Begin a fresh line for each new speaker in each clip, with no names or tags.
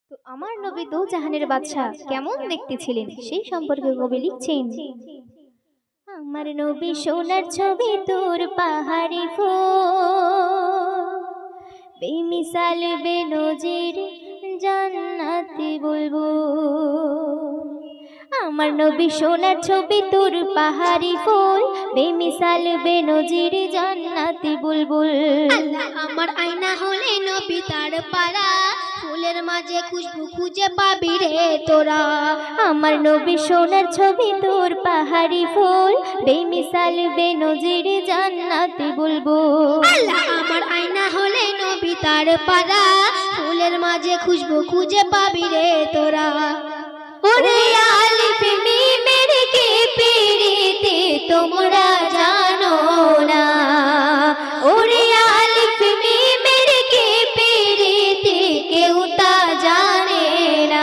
তো আমার নবী দো জাহানের বাদশা কেমন দেখতে ছিলেন সেই সম্পর্কে কবি লিখছেন। আমার নবী সোনার ছবি তোর পাহাড়ি ফুল, বেমিসাল বেনজির জান্নাতি বুলবুল। আমার নবী সোনার ছবি তোর পাহাড়ি ফুল, বেমিসাল বেনজির জান্নাতি বুলবুল।
আল্লাহ আমার আয়না হলে নবী তার পারা, ফুলের মাঝে খুশবু খুঁজে পাবি রে তোরা।
আমার নবী সোনার ছবি তোর পাহাড়ি ফুল, বেমিসাল বেনজির জান্নাতি বুলবুল।
আল্লাহ আমার আয়না হলে নবী তার পারা, ফুলের মাঝে খুশবু খুঁজে পাবি রে তোরা।
ওরে আলিফ মিমের কে পিরিতে তোমরা জানো না, ওরে আলিফ মিমের কে পিরিতে কেউ তা জানে না।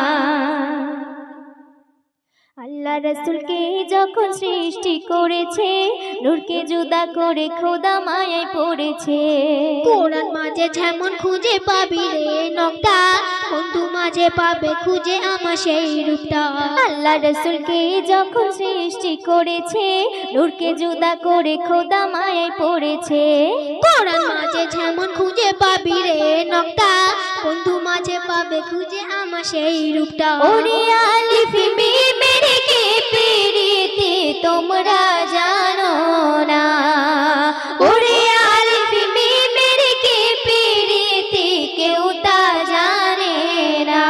আল্লাহ রাসূলকে যখন সৃষ্টি করেছে, নূরকে জুদা করে খোদা মায়ায় পড়েছে।
কোরআন মাঝে যেমন খুঁজে পাবি রে নকটা, বন্ধু মাঝে পাবে খুঁজে আমার সেই রূপটা।
আল্লাহ রাসূলকে যখন সৃষ্টি করেছে, নূরকে জুদা করে খোদা মায়ায় পড়েছে।
কোরআন মাঝে যেমন খুঁজে পাবি রে নকটা, বন্ধু মাঝে পাবে খুঁজে আমার সেই রূপটা।
ওরে আলিফ মিমের কে পিরিতে তোমরা জানো না, ওরে আলিফ মিমের কে পিরিতে কেউ তা জানে না।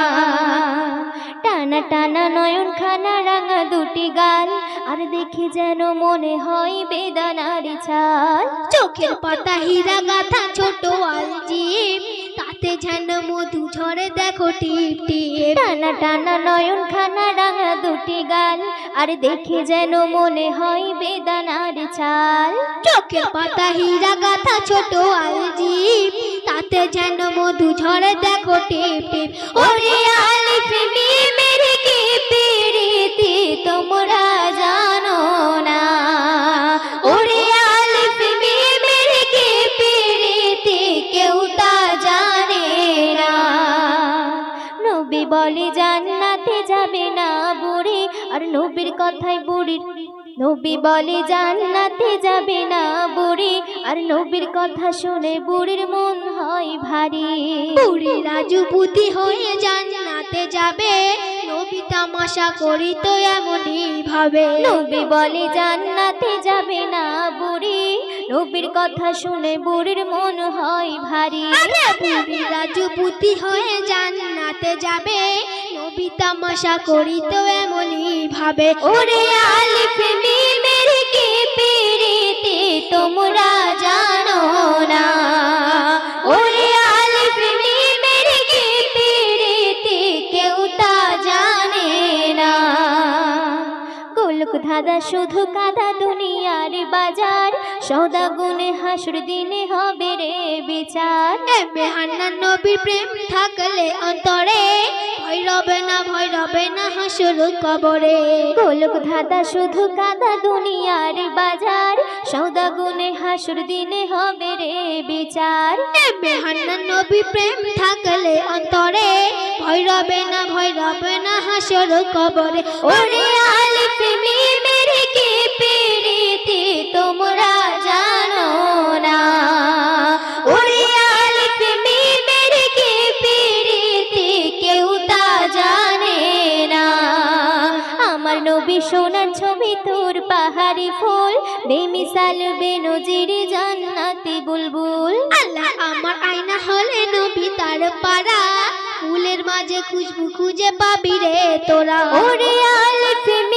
টানা টানা নয়ন খানা রাঙা দুটি গাল, আর দেখে যেন মনে হয় বেদানার ছাল।
চোখের পাতা হীরা গাথা ছোট আলজিব, তাতে যেন মধু ঝরে দেখো টিপ টিপ।
টানা টানা নয়ন খানা রাঙা দুটি গাল, আর দেখে যেন মনে হয় বেদানার ছাল।
চোখের পাতা হীরা গাথা ছোট আলজিব, তাতে যেন মধু ঝরে দেখো টিপ টিপ।
ওরে আলিফ মিমের কে পিরিতে তোমরা জানো না, ওরে আলিফ মিমের কে পিরিতে কেউ তা জানে না। নবী বলে জান্নাতে যাবে না বুড়ি, আর নবীর কথায় বুড়ির, নবী বলে জান্নাতে যাবে না বুড়ি, আর নবীর কথা শুনে বুড়ির মন হয় ভারী।
বুড়ি রাজপুতি হয়ে জান্নাতে যাবে, নবী তামাশা করি তো এমনই ভাবে।
নবী বলে জান্নাতে যাবে না বুড়ি, নবীর কথা শুনে বুড়ির মন হয় ভারী।
বুড়ি রাজপুতি হয়ে জান্নাতে যাবে, নবী তামাশা করি তো এমনই ভাবে।
ওরে আলিফ মিমের কে পিরিতে তোমরা জানো না, ওরে আলিফ মিমের কে পিরিতে কেউ তা জানে না। গোলক ধাঁধা শুধু কাদা দুনিয়ার বাজার, সদা গুনে হাসুর দিনে হবে রে বিচার।
এমে হান্নান নবীর প্রেম থাকলে অন্তরে, ভয় রবে না হাসুর কবরে।
গোলক ধাঁধা শুধু কাদা দুনিয়ার বাজার, সদা গুনে হাসুর দিনে হবে রে বিচার।
এমে হান্নান নবীর প্রেম থাকলে অন্তরে, ভয় রবে না হাসুর কবরে।
ওরে আলিফ মিমের কে পিরিতে তোমরা জানো না, ওরে আলিফ মিমের কে পিরিতে কেউ তা জানে না। আমার নবী সোনার ছবি তোর পাহাড়ি ফুল, বেমিসাল বেনজির জান্নাতি বুলবুল।
আল্লাহ আমার আয়না হলে নবী তার পারা, ফুলের মাঝে খুশবু খুঁজে পাবি রে তোরা।
ওরে আলিফ